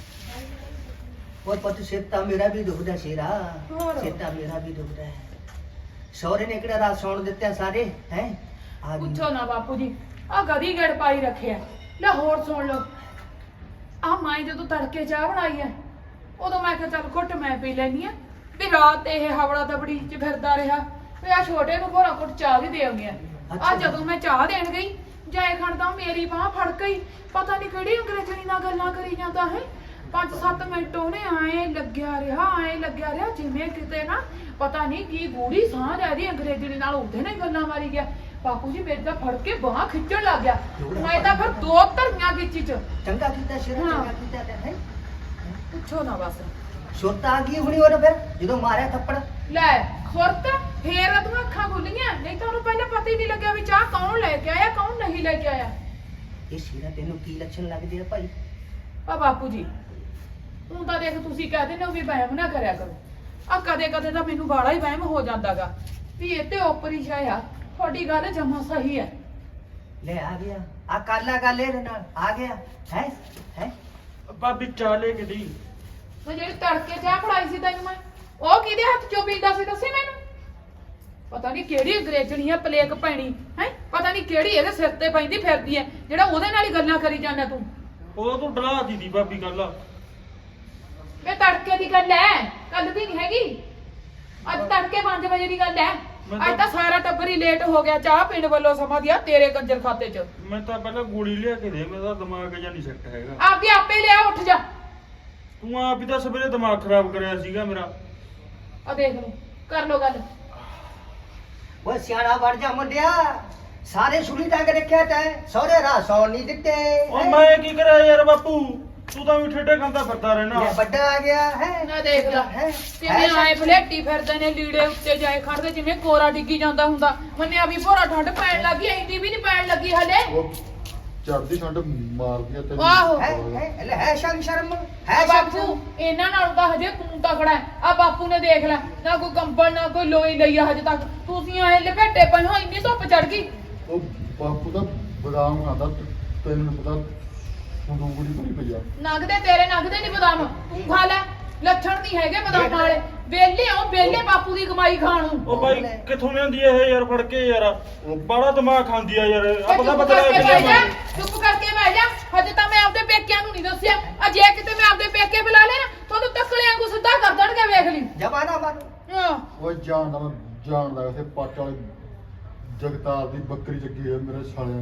ਉਹ ਪੁੱਤ ਸਿਰ ਤਾਂ ਮੇਰਾ ਵੀ ਦੁਖਦਾ ਸ਼ੇਰਾ,
ਹੋਰ?
ਸਿਰ ਤਾਂ ਮੇਰਾ ਵੀ ਦੁਖਦਾ ਹੈ। ਸਹੁਰੇ ਨੇ ਕਿਹੜਾ ਰਾਤ ਸੌਣ ਦਿੱਤੇ ਆ ਸਾਰੇ ਹੈ? ਆ ਗਈ।
ਪੁੱਛੋ ਨਾ ਬਾਪੂ ਜੀ ਆ ਗਦੀ ਗੜ ਪਾਈ ਰੱਖਿਆ। ਲੈ ਹੋਰ ਸੁਣ ਲਓ ਆ ਮਾਈ ਜਦੋਂ ਤੜਕੇ ਚਾਹ ਬਣਾਈ ਐ ਉਦੋਂ ਮੈਂ ਕਿਹਾ ਚੱਲ ਘੁੱਟ ਮੈਂ ਪੀ ਲੈਣੀ ਆ ਵੀ ਰਾਤ ਇਹ ਹਵੜਾ ਦਬੜੀ ਚ ਫਿਰਦਾ ਰਿਹਾ ਵੀ ਆ ਛੋਟੇ ਨੂੰ ਭੋਰਾ ਘੁੱਟ ਚਾਹ ਵੀ ਦੇ ਆਉਂਦੇ ਆ। ਆ ਜਦੋਂ ਮੈਂ ਚਾਹ ਦੇਣ ਗਈ ਜਾਏ ਖਣ ਤਾਂ ਮੇਰੀ ਬਾਹ ਫੜ ਗਈ। ਪਤਾ ਨਹੀਂ ਕਿਹੜੀ ਅੰਗਰੇਜ਼ਣੀ ਨਾਲ ਗੱਲਾਂ ਕਰੀ ਜਾਂਦਾ ਹੈ। ਪੰਜ ਸੱਤ ਮਿੰਟ ਉਹਨੇ ਆਏ ਲੱਗਿਆ ਰਿਹਾ ਆਏ ਲੱਗਿਆ ਰਿਹਾ ਜਿਵੇਂ ਕਿਤੇ ਨਾ ਪਤਾ ਨਹੀਂ ਕੀ ਗੂੜੀ ਸਾਹ ਲੈ ਦੀ ਅੰਗਰੇਜ਼ਣੀ ਨਾਲ ਉਹਦੇ ਨਾਲ ਗੱਲਾਂ ਮਾਰੀ ਗਿਆ। ਬਾਪੂ ਜੀ ਮੇਰੇ ਤਾਂ ਫੜ ਕੇ ਬਾਹ ਖਿੱਚਣ ਲੱਗ ਗਿਆ। ਮੈਂ ਤਾਂ ਫਿਰ ਦੋ ਧਰੀਆਂ ਗਿੱਚੀ ਚ।
ਚੰਗਾ ਕੀਤਾ ਸ਼ੇਰਾ,
ਹਾਂ।
ਚੰਗਾ ਕੀਤਾ ਤੇ ਹੈ।
ਪੁੱਛੋ ਨਾ ਬਸ।
ਸੁਰਤ ਆ ਗਈ ਹੁਣੀ ਉਹਨੇ ਫਿਰ ਜਦੋਂ ਮਾਰਿਆ ਥੱਪੜ।
ਲੈ ਸੁਰਤ ਫੇਰ ਤੂੰ ਅੱਖਾਂ ਖੁੱਲੀਆਂ ਨਹੀਂ ਤਾਂ ਉਹਨੂੰ ਪਹਿਲਾਂ ਪਤਾ ਹੀ ਨਹੀਂ ਲੱਗਿਆ ਵੀ ਚਾਹ ਕੌਣ ਲੈ ਕੇ ਆਇਆ ਕੌਣ ਨਹੀਂ ਲੈ ਕੇ ਆਇਆ।
ਇਹ ਸ਼ੇਰਾ ਤੈਨੂੰ ਕੀ ਲੱਛਣ ਲੱਗਦੇ ਆ ਭਾਈ?
ਆ ਬਾਪੂ ਜੀ ਹੁਣ ਤਾਂ ਦੇਖ ਤੁਸੀਂ ਕਹਿ ਦਿੰਦੇ ਹੋ ਵੀ ਵਹਿਮ ਨਾ ਕਰਿਆ ਕਰੋ। ਆ ਕਦੇ ਕਦੇ ਤਾਂ ਮੈਨੂੰ ਬਾੜਾ ਹੀ ਵਹਿਮ ਹੋ ਜਾਂਦਾਗਾ ਵੀ ਇਹ ਤੇ ਓਪਰੀਸ਼ਾ ਆ। ਤੁਹਾਡੀ ਗੱਲ ਜਮਾ ਸਹੀ ਹੈ।
ਲੈ ਆ ਗਿਆ ਆ ਕਾਲਾ ਗੱਲ ਇਹਦੇ ਨਾਲ ਆ ਗਿਆ ਹੈ ਹੈ।
ਭਾਬੀ ਚਾਹ ਲੈ ਕੇ ਦੀ।
ਮੈਂ ਜਿਹੜੀ ਤੜਕੇ ਚਾਹ ਫੜਾਈ ਸੀ ਤੈਨੂੰ ਮੈਂ ਉਹ ਕਿਹਦੇ ਹੱਥ ਚੋਂ ਪੀਂਦਾ ਸੀ ਦੱਸੀ ਮੈਨੂੰ। ਪਤਾ ਨਹੀਂ ਕਿਹੜੀ ਅੰਗਰੇਜ਼ਣੀ ਆ ਪਲੇਕ ਪੈਣੀ ਹੈ। ਪਤਾ ਨਹੀਂ ਕਿਹੜੀ ਇਹਦੇ ਸਿਰ ਤੇ ਪੈਂਦੀ ਫਿਰਦੀ ਹੈ ਜਿਹੜਾ ਉਹਦੇ ਨਾਲ ਹੀ ਗੱਲਾਂ ਕਰੀ ਜਾਂਦਾ ਤੂੰ।
ਉਹ ਤੂੰ ਡਲਾ ਦਿੱਤੀ ਭਾਬੀ ਗੱਲ।
ਇਹ ਤੜਕੇ ਦੀ ਗੱਲ ਹੈ ਕੱਲ ਦੀ ਨਹੀਂ ਹੈਗੀ। ਅੱਜ ਤੜਕੇ ਪੰਜ ਵਜੇ ਦੀ ਗੱਲ ਹੈ। ਅੱਜ ਤਾਂ ਸਾਰਾ ਟੱਬਰ ਹੀ ਲੇਟ ਹੋ ਗਿਆ ਚਾਹ ਪੀਣ ਵੱਲੋਂ ਸਮਾਂ ਦਿਆ ਤੇਰੇ ਕੰਜਰ ਖਾਤੇ 'ਚ।
ਮੈਂ ਤਾਂ ਪਹਿਲਾਂ ਗੋਲੀ ਲਿਆ ਕੇ ਦੇ ਮੇਰਾ ਦਿਮਾਗ ਜਾਂ ਨਹੀਂ ਸੈੱਟ ਹੈਗਾ।
ਆਪਦੀ ਆਪੇ ਲਿਆ ਉੱਠ ਜਾ।
ਤੂੰ ਆਪ ਹੀ ਤਾਂ ਸਵੇਰੇ ਦਿਮਾਗ ਖਰਾਬ ਕਰਿਆ ਸੀਗਾ ਮੇਰਾ।
ਆ ਦੇਖ ਲਓ ਕਰ ਲੋ ਗੱਲ।
ਉਹ ਸਿਆਣਾ ਬਣ ਜਾ ਮੁੰਡਿਆ, ਸਾਰੇ ਸੁਣੀ ਟੰਗ ਰੱਖਿਆ ਤੈਂ ਸਹੁਰੇ ਰਾਹ ਸੌਣ ਨਹੀਂ ਦਿੱਤੇ।
ਉਹ ਮੈਂ ਕੀ ਕਰਿਆ ਯਾਰ ਬਾਪੂ, ਤੂੰ ਤਾਂ ਵੀ ਠੇਡੇ ਖਾਂਦਾ ਫਿਰਦਾ ਰਹਿਣਾ।
ਇਹ ਵੱਡਾ ਆ ਗਿਆ ਹੈ
ਨਾ ਦੇਖ ਲੈ
ਹੈ
ਕਿਵੇਂ ਆਏ ਫਲੇਟੀ ਫਿਰਦੇ ਨੇ ਲੀੜੇ ਉੱਤੇ ਜਾਏ ਖੜਦੇ ਜਿਵੇਂ ਕੋਰਾ ਡਿੱਗੀ ਜਾਂਦਾ ਹੁੰਦਾ। ਮੰਨਿਆ ਵੀ ਭੋਰਾ ਠੰਡ ਪੈਣ ਲੱਗੀ ਇੰਨੀ ਵੀ ਨਹੀਂ ਪੈਣ ਲੱਗੀ ਹਲੇ।
ਉਹ ਚੜਦੀ ਠੰਡ ਮਾਰਦੀ ਆ ਤੈਨੂੰ।
ਆਹੋ।
ਹੈ ਹੈ ਲੈ ਹੈ ਸ਼ਰਮ ਸ਼ਰਮ
ਆ
ਹੈ
ਬਾਪੂ ਇਹਨਾਂ ਨਾਲ ਤਾਂ ਹਜੇ ਤੂੰ ਤਕੜਾ ਹੈ। ਆ ਬਾਪੂ ਨੇ ਦੇਖ ਲੈ ਨਾ ਕੋਈ ਕੰਬਲ ਨਾ ਕੋਈ ਲੋਈ ਲਈ ਆ ਹਜੇ ਤੱਕ। ਤੁਸੀਂ ਆਏ ਲਪੇਟੇ ਪਏ ਹੋ ਇੰਨੀ ਧੁੱਪ ਚੜ ਗਈ।
ਉਹ ਬਾਪੂ ਦਾ ਬਦਾਮ ਖਾਂਦਾ ਤੈਨੂੰ ਨੀ ਪਤਾ ਸੰਦੂਕੜੀ ਭਰੀ ਪਈ ਆ।
ਨਗਦੇ ਤੇਰੇ ਨਗਦੇ ਨਹੀਂ ਬਦਾਮ ਤੂੰ ਖਾ ਲੈ। ਲੱਛਣ ਨਹੀਂ ਹੈਗੇ ਬਦਾਮ ਵਾਲੇ ਵੇਲੇ ਆਉ ਵੇਲੇ ਬਾਪੂ ਦੀ ਕਮਾਈ ਖਾਣ ਨੂੰ।
ਉਹ ਬਾਈ ਕਿੱਥੋਂ ਲਿਆਂਦੀ ਇਹ ਯਾਰ ਫੜ ਕੇ ਯਾਰ, ਬੜਾ ਦਿਮਾਗ ਖਾਂਦੀ ਆ ਯਾਰ। ਆ ਪਤਾ ਪਤਾ
ਚੁੱਪ ਕਰਕੇ ਬਹਿ ਜਾ,
ਲੱਗ
ਚੁੱਪ ਕਰਕੇ ਬਹਿ ਜਾ। ਹਜੇ ਤਾਂ ਮੈਂ ਆਪਦੇ ਪੇਕਿਆਂ ਨੂੰ ਨਹੀਂ ਦੱਸਿਆ। ਆ ਜੇ ਕਿਤੇ ਮੈਂ ਆਪਦੇ ਪੇਕੇ ਬੁਲਾ ਲੈ ਨਾ ਤੁਹਾਨੂੰ ਤੱਕਲੇ ਵਾਂਗੂ ਸਿੱਧਾ ਕਰ ਦੇਣਗੇ ਵੇਖ ਲਈ।
ਜਮਾਨਾ ਮਨ
ਹਾਂ
ਉਹ ਜਾਣਦਾ ਮੈਂ ਜਾਣਦਾ ਉਸੇ ਪੱਟ ਵਾਲੇ ਜਗਤਾਰ ਦੀ ਬੱਕਰੀ ਚੱਕੀ ਹੈ ਮੇਰੇ ਸਾਲੇ।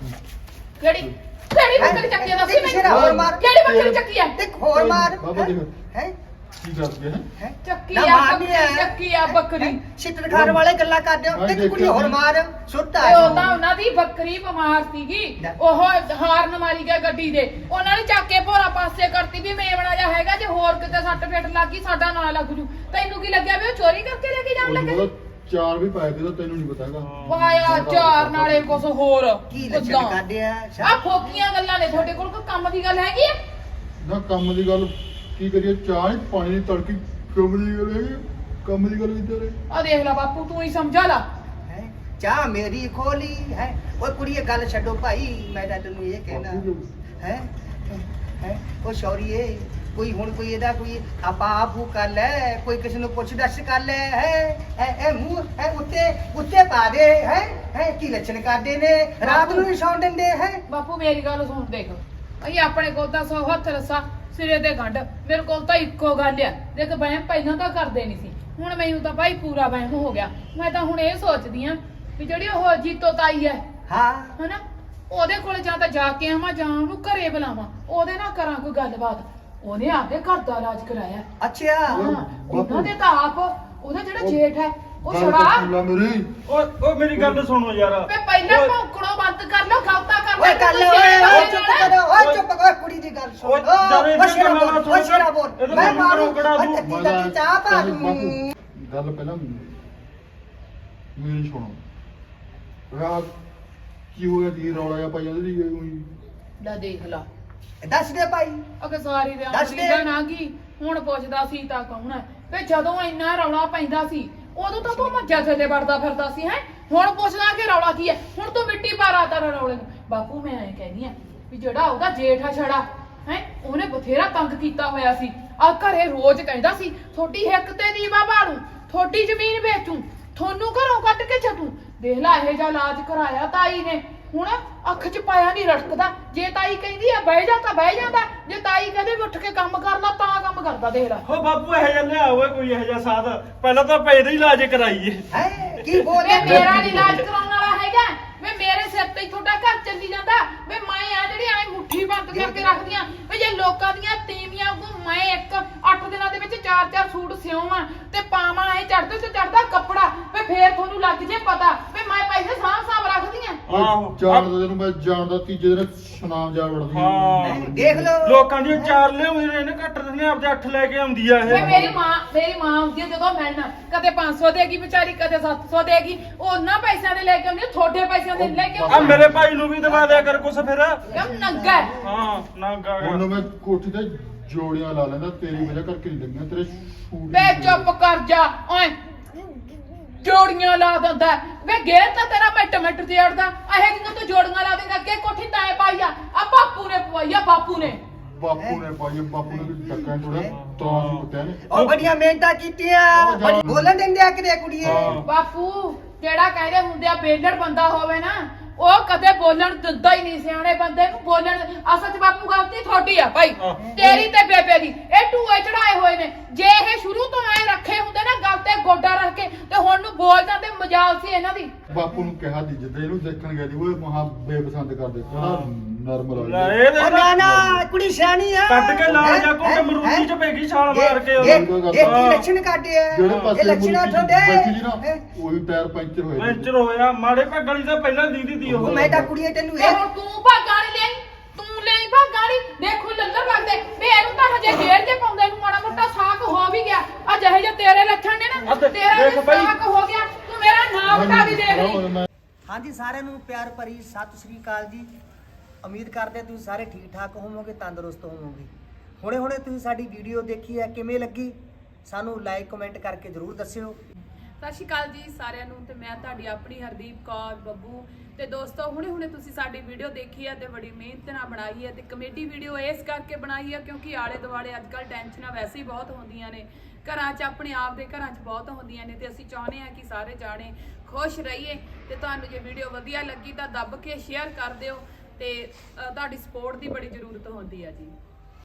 ਕਿਹੜੀ ਕਿਹੜੀ ਬੱਕਰੀ ਚੱਕੀ ਆ ਦੱਸੀ
ਸ਼ੇਰਾ ਹੋਰ
ਮੈਨੂੰ।
ਮਾਰ
ਕਿਹੜੀ ਬੱਕਰੀ ਚੱਕੀ ਆ?
ਇੱਕ ਹੋਰ ਮਾਰ
ਬਾਬਾ ਦੇਖ
ਹੈ
ਕੀ ਕਰਦੇ ਹੈ।
ਹੈ
ਚੱਕੀ
ਨਾ
ਆ
ਮਾਰਨੀ
ਬੱਕਰੀ
ਹੈ।
ਚੱਕੀ ਆ ਬੱਕਰੀ।
ਛਿੱਤਰ ਖਾਣ ਵਾਲੇ ਗੱਲਾਂ ਕਰਦੇ ਹੋ।
ਮੈਂ
ਇੱਕ ਕੁੜੀ
ਦੇਖਿਆ
ਹੋਰ
ਸੀ।
ਮਾਰ ਸੁੱਤਾ
ਤੇ ਉਹ ਤਾਂ ਉਹਨਾਂ ਦੀ ਬੱਕਰੀ ਬਿਮਾਰ ਸੀਗੀ।
ਲੈ।
ਉਹ ਹਾਰਨ ਮਾਰੀ ਗਿਆ ਗੱਡੀ ਦੇ। ਉਹਨਾਂ ਨੇ ਚੱਕ ਕੇ ਭੋਰਾ ਪਾਸੇ ਕਰਤੀ ਵੀ ਮੇਵਣਾ ਜਿਹਾ ਹੈਗਾ ਜੇ ਹੋਰ ਕਿਤੇ ਸੱਟ ਫੇਟ ਲੱਗੀ ਸਾਡਾ ਨਾਂ ਲੱਗ ਜੂ। ਤੈਨੂੰ ਕੀ ਲੱਗਿਆ ਵੀ ਉਹ ਚੋਰੀ ਕਰਕੇ ਲੈ ਕੇ ਜਾਣ
ਉਹਨੂੰ
ਲੱਗੇ?
ਪਤਾ ਚਾਰ ਵੀ ਪਾਏ ਤੇ ਤੈਨੂੰ ਨਹੀਂ ਪਤਾ ਹੈਗਾ।
ਵਾਇਆ ਚਾਰ ਨਾਲੇ ਕੁਛ ਹੋਰ।
ਕੀ ਲੱਛਣ
ਕਿੱਦਾਂ?
ਕਰਦੇ ਆ
ਆ ਫੋਕੀਆਂ ਗੱਲਾਂ ਨੇ ਤੁਹਾਡੇ ਕੋਲ ਕੋਈ ਕੰਮ ਦੀ ਗੱਲ ਹੈਗੀ ਆ?
ਨਾ ਕੰਮ ਦੀ ਗੱਲ ਕੀ ਕਰੀਏ, ਚਾਹ ਨਹੀਂ ਪਾਣੀ ਨਹੀਂ ਤੜਕੀ ਕੰਮ ਦੀ ਗੱਲ ਹੈਗੀ। ਕੰਮ ਦੀ ਗੱਲ ਕਿੱਧਰ ਹੈ?
ਆ ਦੇਖ ਲੈ ਬਾਪੂ ਤੂੰ ਹੀ ਸਮਝਾ ਲਾ।
ਹੈ ਚਾਹ ਮੇਰੀ ਖੋਲੀ ਹੈ। ਓਏ ਕੁੜੀਏ ਗੱਲ ਛੱਡੋ ਭਾਈ, ਮੈਂ ਤਾਂ ਤੈਨੂੰ ਇਹ ਕਹਿਣਾ ਹੈ ਹੈ ਉਹ ਸ਼ੌਰੀਏ ਕੋਈ ਹੁਣ ਕੋਈ ਇਹਦਾ ਕੋਈ ਆਪਾਂ ਆਪੂ ਕਰ ਲੈ, ਕੋਈ ਕਿਸੇ ਨੂੰ ਪੁੱਛ ਦੱਸ ਕਰ ਲੈ ਹੈ ਇਹ ਇਹ ਮੂੰਹ ਹੈ ਉੱਤੇ ਉੱਤੇ ਪਾ ਦੇ ਹੈ ਹੈ ਕੀ ਲੱਛਣ ਕਰਦੇ ਨੇ ਰਾਤ ਨੂੰ ਵੀ ਸੌਣ ਦਿੰਦੇ ਹੈ।
ਬਾਪੂ ਮੇਰੀ ਗੱਲ ਸੁਣ ਦੇਖ ਅਸੀਂ ਆਪਣੇ ਕੋਲ ਤਾਂ ਸੌ ਹੱਥ ਰਸਾ ਸਿਰੇ ਤੇ ਗੰਢ। ਮੇਰੇ ਕੋਲ ਤਾਂ ਇੱਕੋ ਗੱਲ ਆ ਦੇਖ ਵਹਿਮ ਪਹਿਲਾਂ ਤਾਂ ਕਰਦੇ ਨਹੀਂ ਸੀ ਹੁਣ ਮੈਨੂੰ ਤਾਂ ਭਾਈ ਪੂਰਾ ਵਹਿਮ ਹੋ ਗਿਆ। ਮੈਂ ਤਾਂ ਹੁਣ ਇਹ ਸੋਚਦੀ ਆ ਵੀ ਜਿਹੜੀ ਉਹ ਜੀਤੋ ਤਾਈ ਹੈ
ਹਾਂ
ਹਨਾ ਉਹਦੇ ਕੋਲ ਜਾਂ ਤਾਂ ਜਾ ਕੇ ਆਵਾਂ ਜਾਂ ਉਹਨੂੰ ਘਰੇ ਬੁਲਾਵਾਂ ਉਹਦੇ ਨਾਲ ਕਰਾਂ ਕੋਈ ਗੱਲਬਾਤ। ਉਹਨੇ ਆਪਦੇ ਘਰ ਦਾ ਇਲਾਜ ਕਰਾਇਆ।
ਅੱਛਾ
ਹਾਂ ਉਹਨਾਂ ਦੇ ਤਾਂ ਆਪ ਉਹਦਾ ਜਿਹੜਾ ਜੇਠ ਹੈ ਉਹ
ਗੱਲ
ਛੜਾ
ਤਾਂ ਸੁਣ ਲੈ ਮੇਰੀ।
ਓਏ ਓਏ ਮੇਰੀ ਗੱਲ ਸੁਣੋ ਯਾਰ।
ਵੇ ਪਹਿਲਾਂ
ਓਏ,
ਭੌਂਕਣੋਂ ਬੰਦ ਕਰ ਲਓ ਗਲਤਾ ਕਰ
ਓਏ ਕਰ ਲੈ ਓਏ ਓਏ ਚੁੱਪ ਕਰੋ ਓਏ ਚੁੱਪ ਕਰੋ ਕੁੜੀ ਦੀ ਗੱਲ ਸੁਣ।
ਓਏ ਜਰੇ
ਓਏ ਸ਼ੇਰਾ
ਇਹਦੇ
ਬੋਲ
ਨਾਲ
ਓਏ ਸ਼ੇਰਾ ਬੋਲ
ਇਹਦੇ
ਮੈਂ
ਨਾਲ
ਮਾਰੂ
ਕੜਾ ਦੂੰ।
ਓਏ ਤੱਤੀ ਤੱਤੀ ਚਾਹ ਪਾ
ਬਾਪੂ,
ਦੂੰ।
ਗੱਲ ਪਹਿਲਾਂ ਮੇਰੀ ਸੁਣੋ। ਰਾਤ ਕੀ ਹੋਇਆ ਜੀ, ਰੌਲਾ ਜਿਹਾ ਪਾਈ ਜਾਂਦੀ ਸੀ ਉਹੀ।
ਲੈ ਦੇਖ ਲਾ
ਦੱਸ ਦੇ ਭਾਈ
ਅਗੇ ਸਾਰੀ
ਦੱਸ
ਰਿਆਸਤ
ਦੇ।
ਦਾ ਨਾ ਕੀ ਹੁਣ ਪੁੱਛਦਾ ਸੀ ਤਾਂ ਕੌਣ ਹੈ ਵੇ ਜਦੋਂ ਇੰਨਾ ਰੌਲਾ ਪੈਂਦਾ ਸੀ ਉਦੋਂ ਤਾਂ ਤੂੰ ਮੱਝਾਂ ਥੱਲੇ ਵੜਦਾ ਫਿਰਦਾ ਸੀ ਹੈ ਹੁਣ ਪੁੱਛਦਾ ਕਿ ਰੌਲਾ ਕੀ ਹੈ। ਹੁਣ ਤੂੰ ਮਿੱਟੀ ਪਾ ਰਾਤਾ ਰੌਲੇ ਨੂੰ। ਬਾਪੂ ਮੈਂ ਐ ਕਹਿੰਦੀ ਆ ਵੀ ਜਿਹੜਾ ਉਹਦਾ ਜੇਠ ਆ ਛੜਾ ਹੈ ਉਹਨੇ ਬਥੇਰਾ ਤੰਗ ਕੀਤਾ ਹੋਇਆ ਸੀ। ਆ ਘਰੇ ਰੋਜ਼ ਕਹਿੰਦਾ ਸੀ ਥੋੜੀ ਹਿੱਕ ਤੇ ਦੀਵਾ ਬਾਲੂ, ਥੋੜੀ ਜ਼ਮੀਨ ਵੇਚੂ, ਤੁਹਾਨੂੰ ਘਰੋਂ ਕੱਢ ਕੇ ਛੱਡੂ। ਦੇਖ ਲੈ ਇਹੋ ਜਿਹਾ ਇਲਾਜ ਕਰਾਇਆ ਤਾਈ ਨੇ, ਹੁਣ ਅੱਖ 'ਚ ਪਾਇਆ ਨਹੀਂ ਰੜਕਦਾ। ਜੇ ਤਾਈ ਕਹਿੰਦੀ ਆ ਬਹਿ ਜਾ ਤਾਂ ਬਹਿ ਜਾਂਦਾ, ਜੇ ਤਾਈ ਕਹਿੰਦੇ ਵੀ ਉੱਠ ਕੇ ਕੰਮ ਕਰ ਲਾ ਤਾਂ ਕੰਮ ਕਰਦਾ। ਦੇਖ ਲੈ
ਹੋ ਬਾਪੂ ਇਹੋ ਜਿਹਾ ਲਿਆ ਓਏ ਕੋਈ ਇਹੋ ਜਿਹਾ ਸਾਧ, ਪਹਿਲਾਂ ਤਾਂ ਪੈਦਾ ਹੀ ਇਲਾਜ ਕਰਾਈਏ।
ਹੈ ਕੀ ਬੋਲ
ਵੇ ਮੇਰਾ ਨੀ ਇਲਾਜ ਕਰਾਉਣ ਵਾਲਾ ਹੈਗਾ। ਵੇ ਮੇਰੇ ਸਿਰ ਤੇ ਹੀ ਤੁਹਾਡਾ ਘਰ ਚੱਲੀ ਜਾਂਦਾ। ਵੇ ਮੈਂ ਆ ਜਿਹੜੀ ਐ ਮੁੱਠੀ ਬੰਦ ਕਰਕੇ ਰੱਖਦੀਆਂ। ਵੇ ਜੇ ਲੋਕਾਂ ਦੀਆਂ ਤੀਵੀਆਂ ਕੋ ਮੈਂ ਇੱਕ ਅੱਠ ਦਿਨਾਂ ਦੇ ਵਿੱਚ ਚਾਰ ਚਾਰ ਸੂਟ ਸਿਉਵਾਂ ਤੇ ਪਾਵਾਂ ਐ ਚੜਦੇ ਤੇ ਚੜਦਾ ਕੱਪੜਾ, ਵੇ ਫੇਰ ਤੁਹਾਨੂੰ ਲੱਗ ਜੇ ਪਤਾ ਵੇ ਮੈਂ ਪੈਸੇ ਸਾਂਭ ਸਾਂਭ ਰੱਖਦੀਆਂ।
ਆਹੋ
ਜਾਣਦਾ ਤੈਨੂੰ ਮੈਂ ਜਾਣਦਾ, ਤੀਜੇ ਦਿਨ ਸੁਨਾਮ ਜਾ ਵੜਦੀ
ਹਾਂ
ਦੇਖ ਲਓ
ਲੋਕਾਂ ਦੀਆਂ ਚਾਰ ਲਿਆਉਂਦੇ ਨੇ ਇਹਨੇ ਘੱਟ ਦਿੰਦੀਆਂ, ਆਪਦੇ ਅੱਠ ਲੈ ਕੇ ਆਉਂਦੀ ਆ
ਵੇ
ਇਹ।
ਮੇਰੀ ਮਾਂ ਮੇਰੀ ਮਾਂ ਆਉਂਦੀ ਆ ਜਦੋਂ ਮਿਲਣ, ਕਦੇ ਪੰਜ ਸੌ ਦੇਗੀ ਵਿਚਾਰੀ, ਕਦੇ ਸੱਤ ਸੌ ਦੇਗੀ। ਉਹਨਾਂ ਪੈਸਿਆਂ ਦੇ ਲੈ ਕੇ ਆਉਂਦੀ, ਤੁਹਾਡੇ ਪੈਸਿਆਂ ਦੇ ਲੈ ਕੇ
ਆ
ਆਉਂਦੀ।
ਮੇਰੇ ਭਾਈ ਨੂੰ ਵੀ ਦਵਾ ਦਿਆ ਕਰ ਕੁਛ ਫਿਰ।
ਕਿਉਂ ਨੰਗਾ ਹੈ?
ਹਾਂ ਨਾ ਗਾ
ਉਹਨੂੰ ਮੈਂ ਕੋਠੀ ਤੇ ਜੋੜੀਆਂ ਲਾ ਲੈਂਦਾ, ਤੇਰੀ ਵਜ੍ਹਾ ਕਰਕੇ ਨਹੀਂ ਲੱਗੀਆਂ ਤੇਰੇ ਸ਼ੂਟ।
ਵੇ ਚੁੱਪ ਕਰ ਜਾ ਓਏ, ਜੋੜੀਆਂ ਲਾ ਦਿੰਦਾ। ਵੇ ਗੇਰ ਤਾਂ ਤੇਰਾ ਮਿੰਟ ਮਿੰਟ ਤੇ ਅੜਦਾ। ਇਹ ਜਿੰਨਾਂ ਤੂੰ ਜੋੜੀਆਂ ਲਾ ਦੇਗਾ ਅੱਗੇ ਕੋਠੀ ਤਾਂ ਪਾਈ ਆ ਆ ਬਾਪੂ ਨੇ ਪਵਾਈ ਆ, ਬਾਪੂ ਨੇ।
ਬਾਪੂ ਨੇ ਪਾਈ ਆ, ਬਾਪੂ ਨੇ ਵੀ ਟੱਕਾ ਥੋੜਾ ਤਾਂ ਹੀ ਕੁੱਟਿਆ ਨੇ।
ਉਹ ਬੜੀਆਂ ਮਿਹਨਤਾਂ ਕੀਤੀਆਂ, ਬੜੀ ਬੋਲਣ ਦਿੰਦੇ ਆ ਕਿਤੇ ਕੁੜੀਏ।
ਹਾਂ।
ਬਾਪੂ ਜਿਹੜਾ ਕਹਿੰਦੇ ਹੁੰਦੇ ਆ ਬੇਲੜ ਬੰਦਾ ਹੋਵੇ ਨਾ, ਉਹ ਕਦੇ ਬੋਲਣ ਦਿੰਦਾ ਹੀ ਨਹੀਂ ਸਿਆਣੇ ਬੰਦੇ ਨੂੰ ਬੋਲਣ। ਅਸਲ 'ਚ ਬਾਪੂ ਗਲਤੀ ਤੁਹਾਡੀ ਆ ਭਾਈ, ਤੇਰੀ ਤੇ ਬੇਬੇ ਦੀ। ਇਹ ਟੂਏ ਚੜਾਏ ਹੋਏ ਨੇ। ਜੇ ਇਹ ਸ਼ੁਰੂ ਤੋਂ ਐ ਰੱਖੇ ਹੁੰਦੇ ਨਾ ਗੱਲ ਤੇ ਗੋਡਾ ਰੱਖ ਕੇ, ਤੇ ਹੁਣ ਨੂੰ ਬੋਲ ਜਾਂਦੇ। ਮਜਾਲ ਸੀ ਇਹਨਾਂ ਦੀ।
ਬਾਪੂ ਨੂੰ ਕਿਹਾ ਦੀ ਜਿੱਦਾਂ ਇਹਨੂੰ ਦੇਖਣ ਗਿਆ ਦੀ ਉਹ ਮਹਾ ਬੇਪਸੰਦ ਕਰਦੇ, ਕਹਿੰਦਾ ਨਰਮਲ
ਲੈ
ਆ
ਇਹ
ਉਹ
ਦੇਖ
ਨਾ ਨਾ ਕੁੜੀ ਸਿਆਣੀ ਆ।
ਕੱਟ ਕੇ ਲਾ ਜਾ ਕੋ
ਹੈਂ?
ਮਰੂਦੀ ਚ ਪੈਗੀ ਛਾਲ ਮਾਰ ਕੇ
ਇਹ
ਉਹਨੂੰ।
ਇਹ ਕੀ ਲੱਛਣ ਕੱਢੇ ਆ?
ਜਿਹੜੇ
ਇਹ
ਪਾਸੇ
ਲੱਛਣਾਂ
ਮੁਰਗੀ
ਤੁਹਾਡੇ
ਬੈਠੀ ਸੀ ਨਾ
ਹੈਂ?
ਉਹੀ ਟਾਇਰ ਪੈਂਚਰ ਹੋਏ ਨੇ।
ਪੈਂਚਰ ਹੋਇਆ ਮਾੜੇ ਭਾ ਗਲੀ ਦਾ ਪਹਿਲਾਂ ਦੀਦੀ ਦੀ ਉਹ।
ਉਹ ਮੈਂ ਤਾਂ ਕੁੜੀਏ ਤੈਨੂੰ
ਤੇ
ਇਹ
ਹੁਣ ਤੂੰ ਭਾਗਾਂ ਨਹੀਂ ਲਈ, ਤੂੰ ਲਈ ਭਾਗਾਂ ਨਹੀਂ। ਦੇਖੋ ਲੱਲਰ ਲੱਗਦੇ ਵੇ ਇਹਨੂੰ ਤਾਂ ਹਜੇ ਜੇਲ੍ਹ 'ਚ ਪਾਉਂਦੇ ਨੂੰ ਮਾੜਾ ਮੋਟਾ ਸਾਕ ਹੋ ਵੀ ਗਿਆ। ਆ ਜਿਹੇ ਜਿਹੇ ਤੇਰੇ ਲੱਛਣ ਨੇ ਨਾ,
ਆ ਤੇ
ਤੇਰਾ
ਦੇਖ
ਵੀ
ਬਾਈ।
ਸਾਕ ਹੋ ਗਿਆ। ਤੂੰ ਮੇਰਾ ਨਾਮ ਵਟਾ ਵੀ ਦੇਖ ਲਈ।
ਮੈਂ
ਹਾਂਜੀ ਸਾਰਿਆਂ ਨੂੰ ਪਿਆਰ ਭਰੀ ਸਤਿ ਸ੍ਰੀ ਅਕਾਲ ਜੀ। ਉਮੀਦ ਕਰਦੇ ਹਾਂ ਤੁਸੀਂ ਸਾਰੇ ਠੀਕ ਠਾਕ ਹੋਵੋਗੇ, ਤੰਦਰੁਸਤ ਹੋਵੋਗੇ। ਹੁਣੇ ਹੁਣੇ ਤੁਸੀਂ ਸਾਡੀ ਵੀਡੀਓ ਦੇਖੀ ਹੈ, ਕਿਵੇਂ ਲੱਗੀ ਸਾਨੂੰ ਲਾਈਕ ਕਮੈਂਟ ਕਰਕੇ ਜ਼ਰੂਰ ਦੱਸਿਓ।
ਸਤਿ ਸ਼੍ਰੀ ਅਕਾਲ ਜੀ ਸਾਰਿਆਂ ਨੂੰ, ਤੇ ਮੈਂ ਤੁਹਾਡੀ ਆਪਣੀ ਹਰਦੀਪ ਕੌਰ ਬੱਬੂ। ਤੇ ਦੋਸਤੋ ਹੁਣੇ ਹੁਣੇ ਤੁਸੀਂ ਸਾਡੀ ਵੀਡੀਓ ਦੇਖੀ ਹੈ ਤੇ ਬੜੀ ਮਿਹਨਤ ਨਾਲ ਬਣਾਈ ਹੈ, ਤੇ ਕਮੇਡੀ ਵੀਡੀਓ ਇਸ ਕਰਕੇ ਬਣਾਈ ਹੈ ਕਿਉਂਕਿ ਆਲੇ ਦੁਆਲੇ ਅੱਜ ਕੱਲ੍ਹ ਟੈਨਸ਼ਨਾਂ ਵੈਸੇ ਹੀ ਬਹੁਤ ਹੁੰਦੀਆਂ ਨੇ ਘਰਾਂ 'ਚ, ਆਪਣੇ ਆਪ ਦੇ ਘਰਾਂ 'ਚ ਬਹੁਤ ਹੁੰਦੀਆਂ ਨੇ। ਤੇ ਅਸੀਂ ਚਾਹੁੰਦੇ ਹਾਂ ਕਿ ਸਾਰੇ ਜਾਣੇ ਖੁਸ਼ ਰਹੀਏ। ਤੇ ਤੁਹਾਨੂੰ ਜੇ ਵੀਡੀਓ ਵਧੀਆ ਲੱਗੀ ਤਾਂ ਦੱਬ ਕੇ ਸ਼ੇਅਰ ਕਰ ਦਿਓ, ਤੇ ਅ, ਤੁਹਾਡੀ ਸਪੋਰਟ ਦੀ ਬੜੀ ਜ਼ਰੂਰਤ ਹੁੰਦੀ ਹੈ ਜੀ।